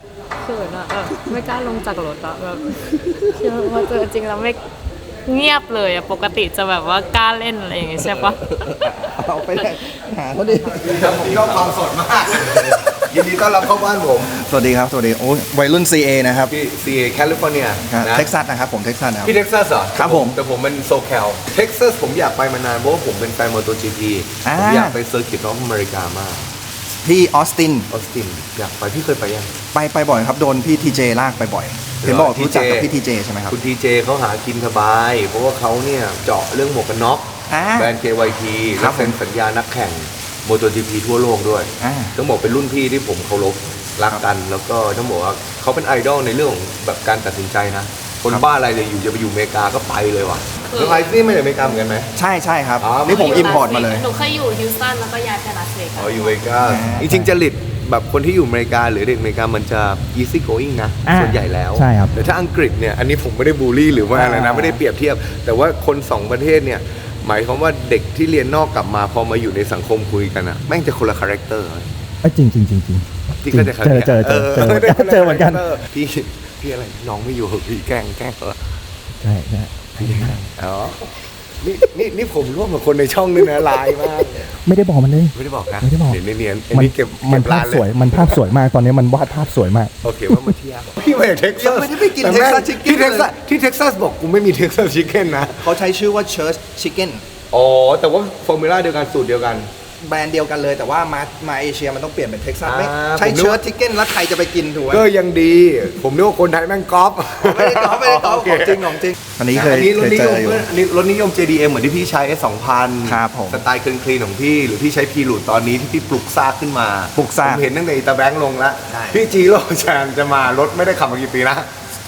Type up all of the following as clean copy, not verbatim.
เขินอะไม่กล้าลงจากรถอะแบบพอเจอจริงแล้วไม่เงียบเลยอะปกติจะแบบว่ากล้าเล่นอะไรอย่างเงี้ยใช่ปะเอาไปเลยหาเขาดิครับที่ชอบความสดมากยินดีต้อนรับเข้าบ้านผมสวัสดีครับ สวัสดีโอ้ยวัยรุ่น CA นะครับพี่ CA แคลิฟอร์เนียนะเท็กซัสนะครับผมเท็กซัสนะครับพี่เท็กซัสเหรอครับผมแต่ผมเป็นโซแคลเท็กซัสผมอยากไปมานานเพราะว่าผมเป็นแฟนมอเตอร์จีพีผมอยากไปเซอร์กิตของอเมริกามากที่ออสตินออสตินอยากไปพี่เคยไปยังไปบ่อยครับโดนพี่ทีเจลากไปบ่อยเห็นบอกรู้จักกับพี่ทีเจใช่ไหมครับคุณทีเจเขาหากินสบาย เพราะว่าเขาเนี่ยเจาะเรื่องหมวกกันน็อกอ่าแบรนด์ KYT ครัและบเซ็นสัญญานักแข่งมอเตอร์จีพีทั่วโลกด้วยอ่าต้องบอกเป็นรุ่นพี่ที่ผมเคารพรักกัน แล้วก็ต้องบอกว่าเขาเป็นไอดอลในเรื่องของแบบการตัดสินใจนะ คนบ้าอะไรเลยอยู่จะไปอยู่อเมริกาก็ไปเลยว่ะแล้วไอซ์นี่ไม่ได้อเมริกาเหมือนกันไหมใช่ครับอ๋อนี่ผมอิมพอร์ตมาเลยหนูเคยอยู่ฮิวสตันแล้วก็ย้ายไปลาสเวกัสอ๋ออยู่อเมริกาจริงๆจริตแบบคนที่อยู่อเมริกาหรือเด็กอเมริกามันจะ easy going นะส่วนใหญ่แล้วใช่ครับแต่ถ้าอังกฤษเนี่ยอันนี้ผมไม่ได้บูลลี่หรือว่าอะไรนะไม่ได้เปรียบเทียบ แต่ว่าคนสองประเทศเนี่ยหมายความว่าเด็กที่เรียนนอกกลับมาพอมาอยู่ในสังคมคุยกันอะแม่งจะคนละคาแรคเตอร์จริงจริงจริงจริงพี่ก็จะเจอเหมือนกันพี่อะไรน้องไม่อยู่เหรอพี่แกล้งเหรอใช่ใช่อ๋อนี่ผมร่วมกับคนในช่องด้วยนะไลน์มากไม่ได้บอกมันเลยไม่ได้บอกนะไม่ได้บอกเห็นเนียนๆอันมันนี้เก็บมันภาร้าพนเลสวย มันภาพสวยมากตอนนี้มันวาดภาพสวยมากโอเคว่ามาเที่ยวพี่มาจากเท็กซัสยังไม่ได้ไปกินแต่แม่ง Texas Chicken ที่เท็กซัสบอกกูไม่มีเท็กซัสชิคเก้นนะเขาใช้ชื่อว่า Church Chicken อ๋อ แต่ว่าฟอร์มูล่าเดียวกันสูตรเดียวกันแบรนด์เดียวกันเลยแต่ว่ามาเอเชียมันต้องเปลี่ยนเป็นเท็กซัสไม่อ่าใช้ผมนึกเชิร์ว่าชชิคเก้นแล้วใครจะไปกินถูกไหมก็ยังดี ผมนึกว่าคนไทยแม่งก๊อปไม่ได้ก๊อปของโคจริงของจริงอันนี้เคยอันนี้รเคถยนิเจยมออยู่อันนี้รถนิยม JDM เหมือนที่พี่ใช้ S2000 ครับผมสไตล์คลีนๆของพี่ หรือพี่ใช้พีรูดตอนนี้ที่พี่ปลุกซากขึ้นมาปลุกซากผมเห็นตั้งแต่ตาแบงค์ลงแล้วใช่พี่จีโร่แชนจะมารถไม่ได้ขับมากี่ปีนะ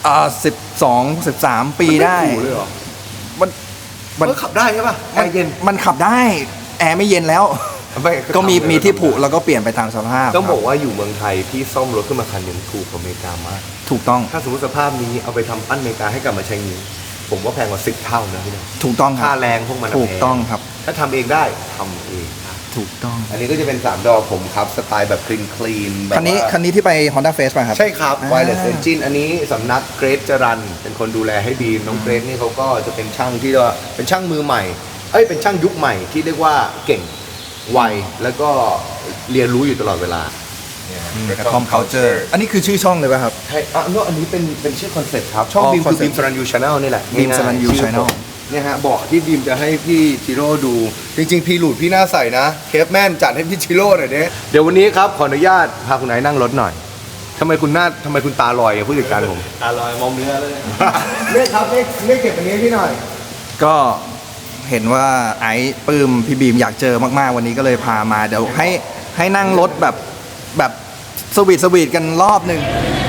12-13 ปีได้ม่ถูเลยเหรอมันมันขับได้ใช่ป่ะแอร์เย็นมันขับได้ แอร์ไม่เย็นแล้วไม่ก็มีที่ผุแล้วก็เปลี่ยนไปตามสภาพต้องบอกว่าอยู่เมืองไทยพี่ซ่อมรถขึ้นมาคันหนึ่งถูกกว่าอเมริกามากถูกต้องถ้าสมมติสภาพนี้เอาไปทำปั้นอเมริกาให้กลับมาใช้นี้ผมว่าแพงกว่า10 เท่านะพี่นะถูกต้องคค่ารับแรงพวกมันถูกต้องครับถ้าทำเองได้ทำเองครับถูกต้องอันนี้ก็จะเป็น3ดอกผมครับสไตล์แบบคลีนแบบคันนี้ที่ไป Honda Face ป่ะครับใช่ครับอ่า Wireless Engine อันนี้สำนักเกรซจรันเป็นคนดูแลให้ดีน้องเกรซนี่เขาก็จะเป็นช่างที่ว่าเป็นช่างมือใหม่เป็นช่างยุคใหม่ที่เรียกว่าเก่งไวแล้วก็เรียนรู้อยู่ตลอดเวลากระท่อม culture อันนี้คือชื่อช่องเลยป่ะครับใช่อันนี้เป็นชื่อคอนเซ็ปต์ครับ ช่องอ๋อบีมคือ concept บีมสรันยูชาแนลนี่แหละ Beam ง่ายๆ Saranyu ชื่อ Channel เนี่ยฮะเบาะที่บีมจะให้พี่จิโร่ดู จริง ๆ พี่หลุดพี่น่าใส่นะ เคฟแมนจัดให้พี่จิโร่หน่อยเดี๋ยววันนี้ครับ ขออนุญาตพาคุณไอ้นั่งรถหน่อยทำไมคุณตาลอยอย่างผู้จัดการผมอร่อยมอมเนื้อเลยเรียกครับเรียกเก็บอันนี้ให้พี่หน่อยก็เห็นว่าไอ้ปื้มพี่บีมอยากเจอมากๆวันนี้ก็เลยพามาเดี๋ยวให้นั่งรถแบบสวีทกันรอบหนึ่ง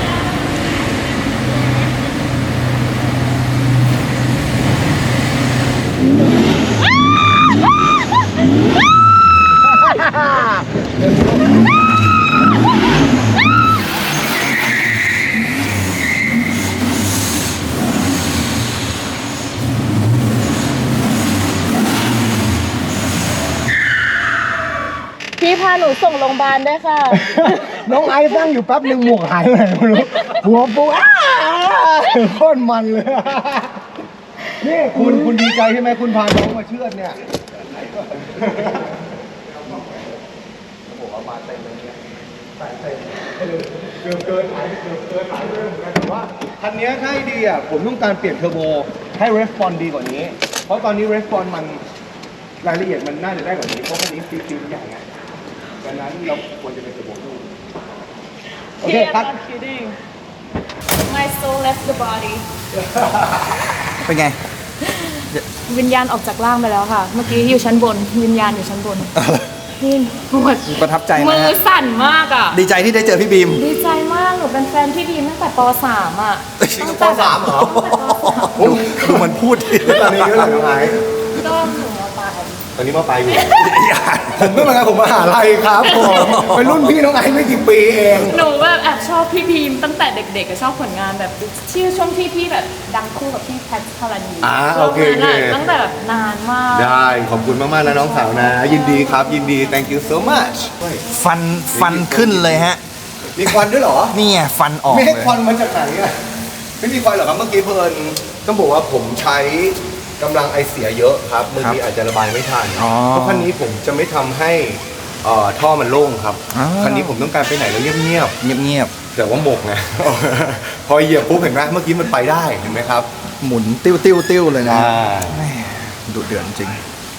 พี่พาหนูส่งโรงพยาบาลด้วยค่ะน้องไอ้นั่งอยู่แป๊บหนึ่งหมวกหายไปไหนไม่รู้หัวปูโคตรมันเลย นี่คุณดีใจใช่ไหมคุณพาน้องมาเชือดเนี่ย เกือบเกินหายไปเลยเหมือนกันแต่ว่าคันนี้ถ้าให้ดีอ่ะผมต้องการเปลี่ยนเทอร์โบให้ response ดีกว่านี้ เพราะตอนนี้ response มันรายละเอียดมันน่าจะได้กว่านี้เพราะคันนี้ซีซีใหญ่ไงดังนั้นเราควรจะเป็นเทอร์โบดูโอเคพี่ I'm ครับ not kidding My soul left the body เป็นไงวิญญาณออกจากร่างไปแล้วค่ะ เมื่อกี้อยู่ชั้นบน วิญญาณอยู่ชั้นบนพี่ปวดประทับใจไหมมือฮะสั่นมากอ่ะดีใจที่ได้เจอพี่บีมดีใจมาก หนูเป็นแฟนพี่บีมตั้งแต่ป .3 อ่ะตั้งแต่ป .3 เหรอดูมันพูดดิตอนนี้เท่าไหร่น้องไอ้ก็หนูมาตายตอนนี้มาไปอยู่ ผมก็เหมือนกันผมมหาลัยครับผมเป็นรุ่นพี่น้องไอ้ไม่กี่ปีเองหนูแบบแอบชอบพี่บีมตั้งแต่เด็กๆก็ชอบผลงานแบบที่ช่วงที่พี่แบบดังคู่กับพี่แพทพารานีโอเคช่วงนั้นอะตั้งแต่แบบนานมากได้ขอบคุณมากๆนะน้องสาวนะ ยินดีครับยินดี thank you so much ฟันขึ้นเลยฮะมีควันด้วยเหรอนี่ไงฟันออกไม่เลให้ยควันมาจากไหนอ่ะไม่มีควันเหรอครับเมื่อกี้เพลินต้องบอกว่าผมใช้กำลังไอเสียเยอะครับบางทีอาจจะระบายไม่ทันอ๋อเพราะคันนี้ผมจะไม่ทำให้ท่อมันโล่งครับอ๋อคันนี้ผมต้องการไปไหนแล้วเงียบเงียบๆแต่ว่าหมกไง พอเหยียบปุ๊บเห็นไหมเมื่อกี้มันไปได้เห็นไหมครับๆหมุนติ้วเลยนะแหม่ดุเดือดจริง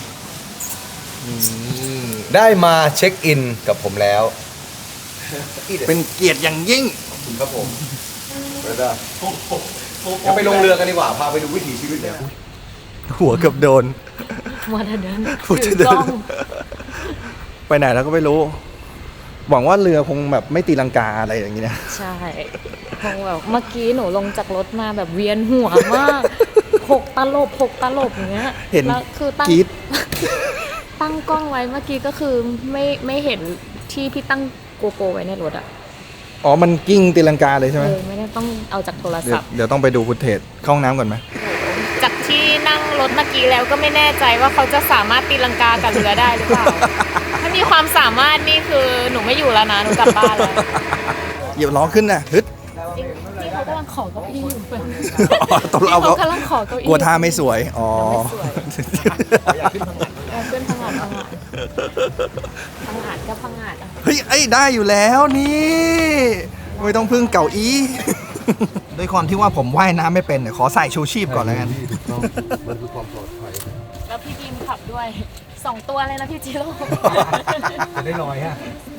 ได้มาเช็คอินกับผมแล้วเป็นเกียรติอย่างยิ่งครับผมแล้วก็เดี๋ยวไปลงเรือกันดีกว่าพาไปดูวิถีชีวิตเลยหัวเกือบโดนมาเดินพูดจะถืเดิอกล้อน งไปไหนแล้วก็ไม่รู้ หวังว่าเรือคงแบบไม่ตีลังกาอะไรอย่างนี้นะใช่คงแบบเมื่อกี้หนูลงจากรถมาแบบเวียนหัวมากหกตลบอย่างเงี้ยเห็นแล้วคือตั้งกรี๊ดตั้งกล้องไว้เมื่อกี้ก็คือไม่เห็นที่พี่ตั้งโกโปรไว้ในรถอะอ๋อ มันกิ้งตีลังกาเลยใช่ไหมไม่ได้ต้องเอาจากโทรเดี๋ยศัวพท์เดี๋ยวต้องไปดูฟุตเทจเข้าห้องน้ำก่อนไหมจากที่นั่งรถเมื่อกี้แล้วก็ไม่แน่ใจว่าเขาจะสามารถตีลังกากับเรือได้หรือเปล่า ถ้ามีความสามารถนี่คือหนูไม่อยู่แล้วนะหนูกลับบ้านแล้วเหยียบล้อขึ้นนะฮึดนี่เขากำลังขอเก้าอี้อยู่อ๋อตกลงเอาเขากำลังขอเก้าอี้กลัวท่าไม่สวย อ๋อเอาขึ้นพังงาดพังงาดก็พังงาดอ่ะเฮ้ยไอ้ยได้อยู่แล้วนี่ ไม่ต้องพึ่งเก่าอี้ ด้วยความที่ว่าผมว่ายน้ำไม่เป็นเนี่ยขอใส่ชูชีพก่อนแล้วกันมันคือความปลอดภัยแล้วพี่บีมขับด้วย2 ตัวเลยนะพี่จิโร่จะได้ลอยฮะ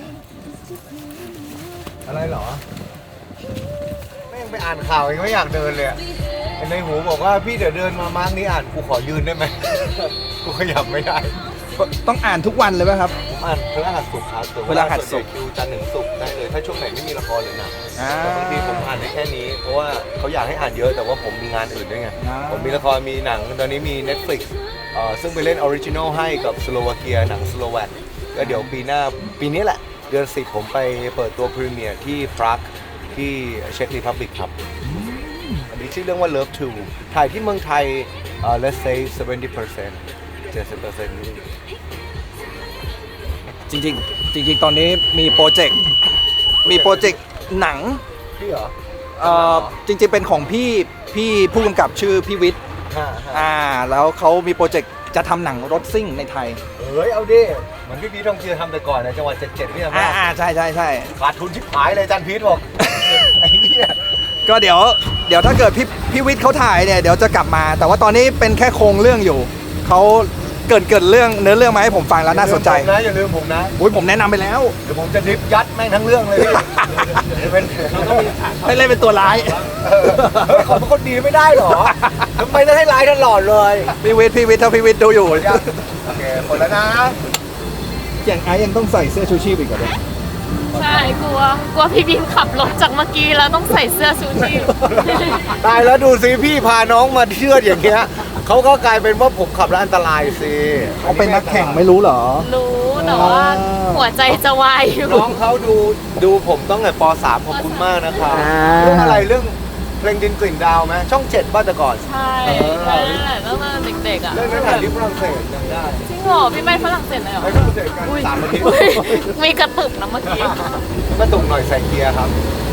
อะไรเหรอแม่งไปอ่านข่าวยังไม่อยากเดินเลยอะในหูบอกว่าพี่เดี๋ยวเดินมามาร์กนี้อ่านกูขอยืนได้ไหม กูขยับไม่ได้ต้องอ่านทุกวันเลยไหมครับผมอ่านพฤหัสศุกร์ครับแต่พฤหัสศุกร์คิวจันทร์ถึงศุกร์ได้เลยถ้าช่วงไหนไม่มีละครหรือหนังอ่าแต่บางทีผมอ่านได้แค่นี้ เพราะว่าเขาอยากให้อ่านเยอะแต่ว่าผมมีงานอื่นด้วยไงอ่าผมมีละครมีหนังตอนนี้มี Netflix ซึ่งไปเล่นออริจินอลให้กับสโลวาเกียหนังสโลแวกก็เดี๋ยวปีหน้าปีนี้แหละ เดือน 10 ผมไปเปิดตัวพรีเมียร์ที่ปรากที่เช็กรีพับลิกครับ อันนี้ชื่อเรื่องว่า Love to ถ่ายที่เมืองไทยlet's say 70% 70%นี่จริง ๆ ตอนนี้มีโปรเจกต์หนังพี่เหรอจริง ๆ เป็นของพี่ผู้กำกับชื่อพี่วิทย์ แล้วเขามีโปรเจกต์จะทำหนังรถซิ่งในไทยเฮ้ย เอาดิเหมือนพี่พีททองเจือทำแต่ก่อนนะจังหวัด77พี่ทำได้ใช่ขาดทุนชิบหายเลยจันพีทบอก ไอ้เนี่ยก็เดี๋ยวถ้าเกิดพี่วิทย์เขาถ่ายเนี่ยเดี๋ยวจะกลับมา แต่ว่าตอนนี้เป็นแค่โครงเรื่องอยู่เขาเกิดเรื่องเนื้อเรื่องมาให้ผมฟังแล้วน่าสนใจอย่าลืมผมนะอุ้ยผมแนะนำไปแล้วเดี๋ยวผมจะดริฟยัดแม่งทั้งเรื่องเลยพี่เดี๋ยวเป็นให้เล่นเป็นตัวร้ายเฮ้ยขอเป็นคนดีไม่ได้เหรอทำไมต้องให้ร้ายตลอดเลยพี่วิทย์ถ้าพี่วิทย์ดูอยู่โอเคหมดแล้วนะอย่างไอ้ยังต้องใส่เสื้อชูชีพอีกเหรอเนี่ยใช่กลัวพี่บีมขับรถจากเมื่อกี้แล้วต้องใส่เสื้อชูชีพตายแล้วดูสิพี่พาน้องมาเชื่อดอย่างเงี้ยเขาก็กลายเป็นว่าผมขับแล้วอันตรายสิเขาเป็นนักแข่งไม่รู้เหรอรู้แต่ว่าหัวใจจะวายอยู่น้องเขาดูผมต้องแต่ป .3 ขอบคุณมากนะครับเรื่องอะไรเรื่องเพลงดินกลิ่นดาวไหมช่อง7บ้านแต่ก่อนใช่ใช่นั่นแหละตั้งแต่เด็กๆอ่ะเรื่องนั้นถ่ายที่ฝรั่งเศสจำได้จริงเหรอพี่ไปฝรั่งเศสเลยเหรอไปฝรั่งเศสกัน3 อาทิตย์อุ๊ยมีกระตุกนะเมื่อกี้ก็ตุ่มหน่อยใส่เกียร์ครับ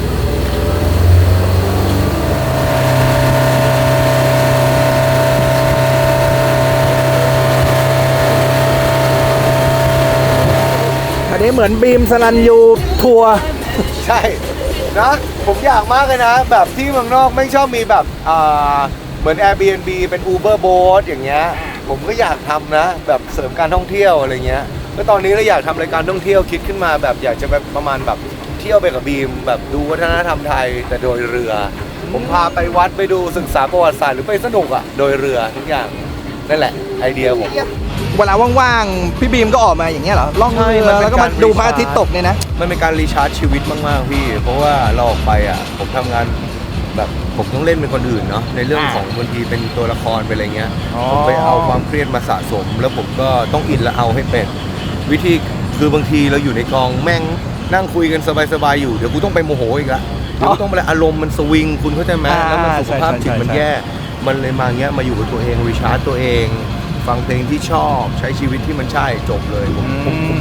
อันนี้เหมือนบีมสลันยูทัวร์ใช่นะผมอยากมากเลยนะ แบบที่เมืองนอกไม่ชอบมีแบบเหมือน Airbnb เป็น Uber Boat อย่างเงี้ยผมก็อยากทำนะ แบบเสริมการท่องเที่ยวอะไรเงี้ยก็ตอนนี้เราอยากทำรายการท่องเที่ยวคิดขึ้นมาแบบอยากจะแบบประมาณแบบเที่ยวไปกับบีม แบบดูวัฒนธรรมไทยแต่โดยเรือ ผมพาไปวัดไปดูศึกษาประวัติศาสตร์หรือไปสนุกอ่ะโดยเรือทุกอย่างนั่นแหละไอเดียผมเวลาว่างๆพี่บีมก็ออกมาอย่างเงี้ยเหรอล่องเรือแล้วก็มาดูพระอาทิตย์ตกเนี่ยนะมันเป็นการรีชาร์จชีวิตมากๆพี่ เพราะว่าเราออกไปอ่ะผมทำงานแบบผมต้องเล่นเป็นคนอื่นเนาะในเรื่องของบางทีเป็นตัวละครเป็นอะไรเงี้ยอ๋อผมไปเอาความเครียดมาสะสม แล้วผมก็ต้องอินและเอาให้เป็นวิธีคือบางทีเราอยู่ในกองแม่งนั่งคุยกันสบายๆอยู่เดี๋ยวกูต้องไปโมโหอีกละเดี๋ยวกูต้องไปอารมณ์มันสวิงคุณเข้าใจไหมแล้วมันสุขภาพจิตมันแย่มันเลยมาเงี้ยมาอยู่กับตัวเองรีชาร์จตัวเอง ฟังเพลงที่ชอบใช้ชีวิตที่มันใช่จบเลยผม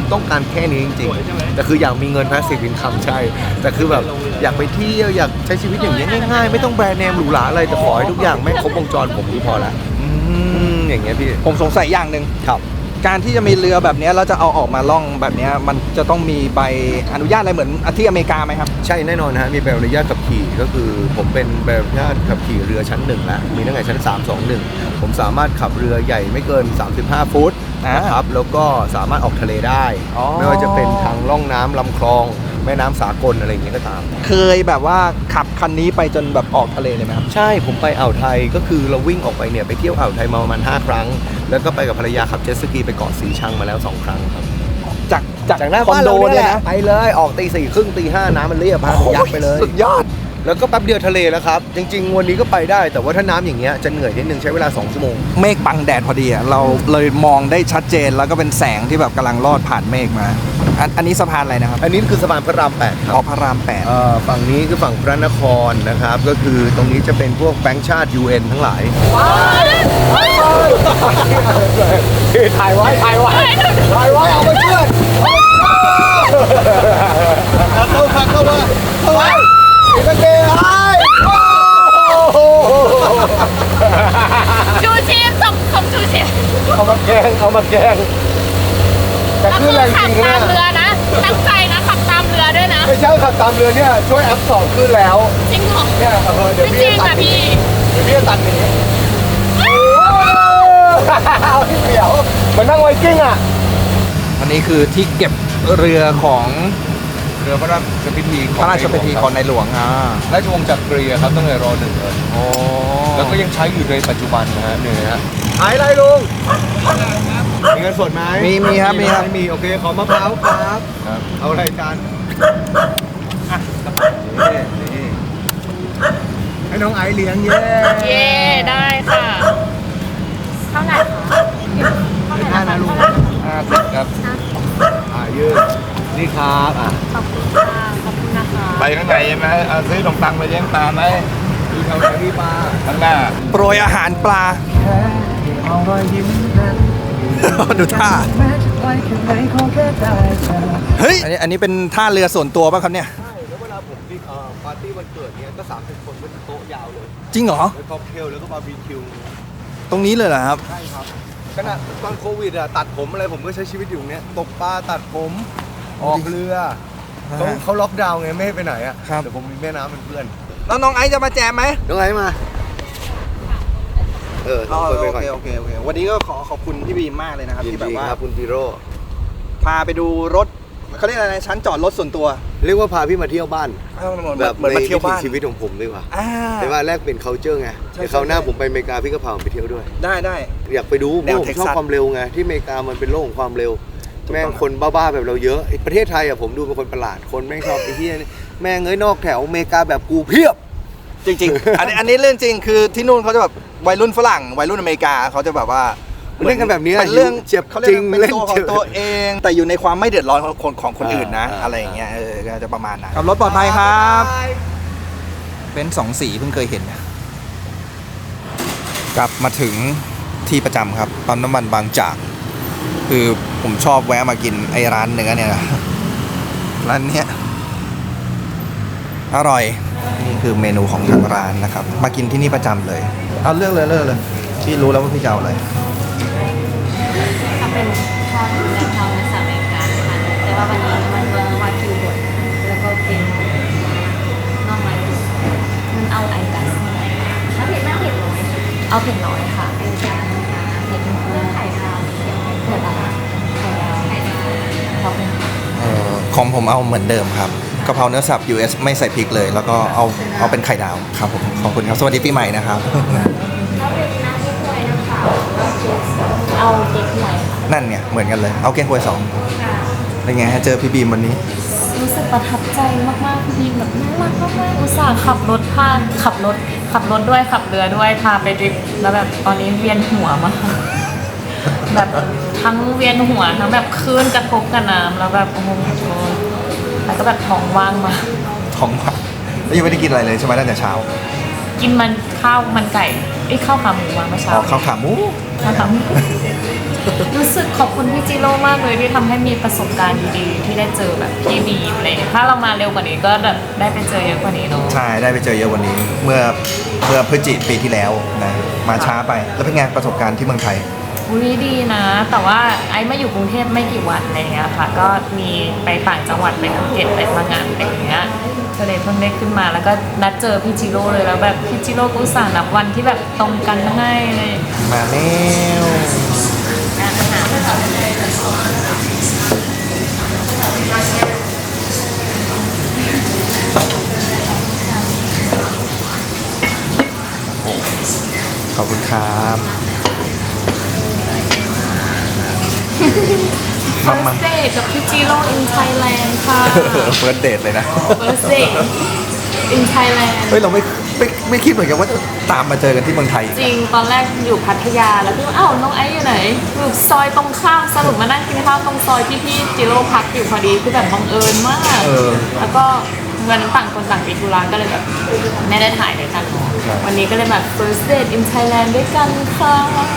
ต้องการแค่นี้จริงๆแต่คืออยากมีเงิน passive income ใช่แต่คือแบบอยากไปเที่ยวอยากใช้ชีวิตอย่างเงี้ยง่ายๆไม่ต้องแบรนด์เนมหรูหราอะไรแต่ขอให้ทุกอย่างแม่งครบวงจรผมก็พอละอย่างเงี้ยพี่ผมสงสัยอย่างหนึ่งครับการที่จะมีเรือแบบเนี้ยแล้วจะเอาออกมาล่องแบบเนี้ยมันจะต้องมีใบอนุญาตอะไรเหมือนที่อเมริกาไหมครับใช่แน่นอนฮะมีใบอนุญาตขับขี่ก็คือผมเป็นใบอนุญาตขับขี่เรือชั้น1แล้วมีตั้งแต่ชั้น321ผมสามารถขับเรือใหญ่ไม่เกิน35ฟุตนะครับแล้วก็สามารถออกทะเลได้อ๋อไม่ว่าจะเป็นทางล่องน้ำลำคลองแม่น้ำสากลอะไรอย่างเงี้ยก็ตามเคยแบบว่าขับคันนี้ไปจนแบบออกทะเลเลยไหมครับใช่ผมไปอ่าวไทยก็คือเราวิ่งออกไปเนี่ยไปเที่ยวอ่าวไทยมาประมาณ5 ครั้ง แล้วก็ไปกับภรรยาขับเจ็ตสกีไปเกาะสีชังมาแล้ว2 ครั้งครับจากหน้าคอนโดเนี่ยนะไปเลยออกตี 4 ครึ่งตี 5น้ำมันเรียบพายักไปเลยสุดยอดแล้วก็แป๊บเดียวทะเลแล้วครับ จริง ๆ วันนี้ก็ไปได้แต่ว่าถ้าน้ำอย่างเงี้ยจะเหนื่อยนิดนึงใช้เวลา2 ชั่วโมงเมฆบังแดดพอดีอะเราเลยมองได้ชัดเจนแล้วก็เป็นแสงที่แบบกำลังลอดผ่านเมฆมา อันนี้สะพานอะไรนะครับอันนี้คือสะพานพระราม 8 ครับออกพระรามฝั่งนี้คือฝั่งพระนครนะครับ ก็คือตรงนี้จะเป็นพวกแบงค์ชาติ UN ทั้งหลายถ่ายไว้เอามาเชื่อเข้ามาอีกเกย์ไอ้ชูชีพส่งชูชีพเอามาแกงแต่ก็คืคือ อแรงจขัริบงตามนะเรือนะ ตั้งใจนะขับตามเรือด้วยนะไม่ใช่ขับตามเรือเนี่ยช่วยแอปสอบขึ้นแล้วจริงเหรอเนี่ยเดี๋ยวไม่พี่จริงจะตัอ่ะดหนีพี่เดี๋ยวพี่จะตัดหนีเอาที่เดี่ยวเหมือนนั่งไวกิ้งอ่ะ 8 อันนี้คือที่เก็บเรือของเรือพระราชพิธีพระราชพิธีของในหลวงราชวงศ์จักรีครับตั้งแต่ร.1เลยโอ้แล้วก็ยังใช้อยู่ในปัจจุบันนะฮะเนี่ยฮะขายอะไรลุงมีเงินสดไหมมีครับมีโอเคขอมะพร้าวครับเอาอะไรจานนี่ให้น้องไอซ์เลี้ยงเย้เย่ได้ค่ะ เท่าไหร่คะ 50นะลุง50ครับยืดนี่ครับขอบคุณค่ะขอบคุณนะคะไปข้างในใช่ไหมเอาซื้อขนมปังไปเลี้ยงปลาไหมดูแถวไหนพี่ปลาข้างหน้าโปรยอาหารปลา ดูท่า เฮ้ย อันนี้เป็นท่าเรือส่วนตัวป่ะครับเนี่ยใช่แล้วเวลาผมปาร์ตี้วันเกิดเนี้ยก็30 คนก็จะโต๊ะยาวเลยจริงเหรอแล้วค็อกเทลแล้วก็บาร์บีคิวตรงนี้เลยเหรอครับใช่ครับขณะตอนโควิดอะตัดผมอะไรผมก็ใช้ชีวิตอยู่เนี้ยตกปลาตัดผมออกเรือเขาล็อกดาวน์ไงไม่ให้ไปไหนอะครับแต่ผมมีแม่น้ำเป็นเพื่อนแล้วน้องไอซ์จะมาแจมไหมน้องไงมาต้องไปก่อนโอเควันนี้ก็ขอบคุณพี่บีมมากเลยนะครับยินที่แบดีบว่าครับคุณพีโร่พาไปดูรถเขาเรียกอะไรนะชั้นจอดรถส่วนตัวเรียกว่าพาพี่มาเที่ยวบ้านเหมือนมาเที่ยวบ้านในวิถีชีวิตของผมดีกว่าอ่าแต่ว่าแรกเป็น culture ไงใช่เดี๋ยวคราวหน้าใช่ผมไปอเมริกาพี่ก็พาผมไปเที่ยวด้วยได้อยากไปดูเพแนวราะผมชอบ Texas ความเร็วไงที่อเมริกามันเป็นโลกของความเร็วถูกต้องแม่งคนบ้าๆแบบเราเยอะประเทศไทยอะผมดูเป็นคนประหลาดคนแม่งชอบไอ้เหี้ยแม่งเอ้ยนอกแถวอเมริกาแบบกูเพียบจริงๆ อันนี้เรื่องจริงคือที่นู่นเขาจะแบบวัยรุ่นฝรั่งวัยรุ่นอเมริกาเขาจะแบบว่าเล่นกันแบบนี้เป็นเรื่องเจ็บเขาเรียกจริงเป็นเล่นตัวขอเจ็งบตัวเอง แต่อยู่ในความไม่เดือดร้อนของคนอื่นนะ อะไรอย่างเงี้ยก็จะประมาณนั้นขับรถปลอดภัยครับเป็น2 สีเพิ่งเคยเห็นกลับมาถึงที่ประจำครับปั๊มน้ำมันบางจากคือผมชอบแวะมากินไอ้ร้านเนื้อเนี่ยนะร้านเนี้ยอร่อยนี่คือเมนูของทางร้านนะครับมากินที่นี่ประจำเลยเอาเลือกเลยพี่รู้แล้วว่าพี่จะเอาอะไรถ้าเป็นทอดแมงทองในสามอเมริกาค่ะแต่ว่าวันนี้มันเบอร์วาคิวบดแล้วก็เป็นน่องไม้ตุ๋นมันเอาไอกัสถ้าเผ็ดมากเผ็ดน้อยเอาเผ็ดน้อยค่ะเป็นจานนะคะเผ็ดเรื่องไข่ดาวเผ็ดอะไรไข่ดาวขอบคุณค่ะของผมเอาเหมือนเดิมครับกะเพราเนื้อสับ US ไม่ใส่พริกเลย แล้วก็เอาเป็นไข่ดาวครับผมขอบคุณครับสวัสดีปีใหม่นะครับถ้าเป็นน้ำเก๊กฮวยนะคะเอาเก๊กฮวยค่ะนั่นเนี่ยเหมือนกันเลยเอาเก้งควย2เป็นไงฮะเจอพี่บีมวันนี้รู้สึกประทับใจมากๆพี่บีมแบบน่ารักมากๆอุตส่าห์ขับรถขับรถด้วยขับเรือด้วยพาไปดริฟต์แล้วแบบตอนนี้เวียนหัวมากแบบทั้งเวียนหัวทั้งแบบคลื่นกระทบกับน้ำแล้วแบบโอ้โหแล้วก็แบบท้องว่างมากท้องว่างแล้วยังไม่ได้กินอะไรเลยใช่ไหมตั้งแต่เช้ากินมันข้าวมันไก่ข้าวขาหมูมาเมื่อเช้าข้าวขาหมูข้าวขาหมู รู้สึกขอบคุณพี่จิโร่มากเลยที่ทำให้มีประสบการณ์ดีๆที่ได้เจอแบบพี่บีมอะไรอย่างเงี้ยถ้าเรามาเร็วกว่านี้ก็แบบได้ไปเจอเยอะกว่านี้เนาะใช่ได้ไปเจอเยอะกวันนี้ เมื่อพฤศจิกายนปีที่แล้วนะมาช้าไปแล้วเป็นไงประสบการณ์ที่เมืองไทยอุ้ยดีนะ แต่ว่าไอ้มาอยู่กรุงเทพไม่กี่วันอะไรเงี้ยค่ะ ก็มีไปต่างจังหวัดไปภูเก็ตไปพังงานอะไรอย่างเงี้ยก็เลยเพิ่งได้ขึ้นมาแล้วก็นัดเจอพี่จิโร่เลยแล้วแบบพี่จิโร่ก็อุตส่าห์นับวันที่แบบตรงกันให้เลยมาแล้วร้านอาหารขอบคุณครับ First date กับพี่จิโร่ in Thailand ค่ะเฟิร์สเดทเลยนะ First date in Thailand เฮ้ยเราไม่คิดเหมือนกันว่าจะตามมาเจอกันที่เมืองไทยจริงตอนแรกอยู่พัทยาแล้วพี่ว่าอ้าวน้องไอซ์อยู่ไหนอยู่ซอยตรงข้ามสรุปมานั่งกินข้าวตรงซอยที่พี่จิโร่พักอยู่พอดีคือแบบบังเอิญมาก แล้วก็เงินต่างคนต่างติดธุระก็เลยแบบไม่ได้ถ่ายด้วยกันเนอะวันนี้ก็เลยแบบ first date in Thailand ด้วยกันค่ะ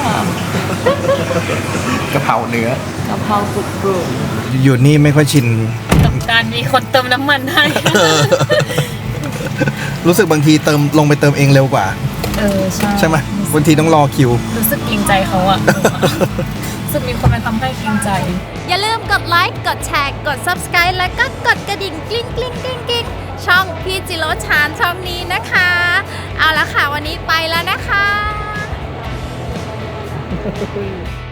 กะเพราเนื้อกะเพรากรุบกรุบอยู่นี่ไม่ค่อยชินกับการมีคนเติมน้ำมันให้รู้สึกบางทีลงไปเติมเองเร็วกว่า ใช่ไหมบางทีต้องรอคิวรู้สึกเกรงใจเขาอะ รู้สึกมีคนมาทำให้เกรงใจอย่าลืมกดไลค์ กดแชร์ กด subscribe แล้วก็กดกระดิ่งกลิ้งกลิ้งกลิ้งกลิ้งช่องพี่จิโร่ชานช่องนี้นะคะ เอาละค่ะวันนี้ไปแล้วนะคะ